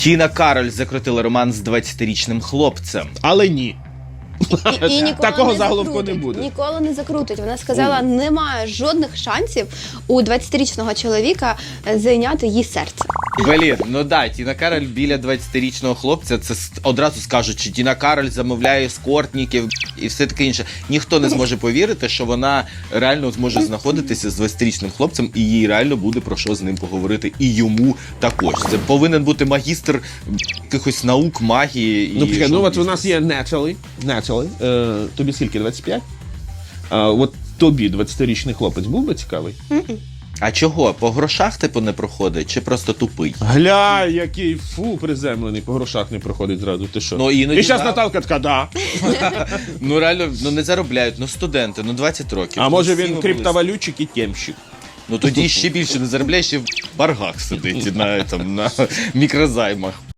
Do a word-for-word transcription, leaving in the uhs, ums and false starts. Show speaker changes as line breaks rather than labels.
Тіна Кароль закрутила роман з двадцятирічним хлопцем.
Але ні.
І, і ніколи
Такого
не
заголовку
закрутить.
не буде.
Ніколи не закрутить. Вона сказала, немає жодних шансів у двадцятирічного чоловіка зайняти її серце.
Блін, ну да, Тіна Кароль біля двадцятирічного хлопця, це с- одразу скажуть, що Тіна Кароль замовляє ескортників і все таке інше. Ніхто не зможе повірити, що вона реально зможе знаходитися з двадцятирічним хлопцем, і їй реально буде про що з ним поговорити. І йому також. Це повинен бути магістр якихось наук, магії. І
Ну, почекай, ну от у
шоу-бізнесу.
нас є Natalie. Natalie. Е, тобі скільки, двадцять п'ять? А, от тобі двадцятирічний хлопець був би цікавий?
А чого? По грошах типу не проходить? Чи просто тупий?
Гля, який фу приземлений, по грошах не проходить зразу, ти що?
Ну, іноді
і зараз
да.
Наталка така, да.
Ну реально, ну не заробляють, ну студенти, ну двадцять років.
А
Ну,
може
всі
він
ми
криптовалютчик і темщик?
Ну тоді ще більше не заробляє, ще в боргах сидить на, там, на мікрозаймах.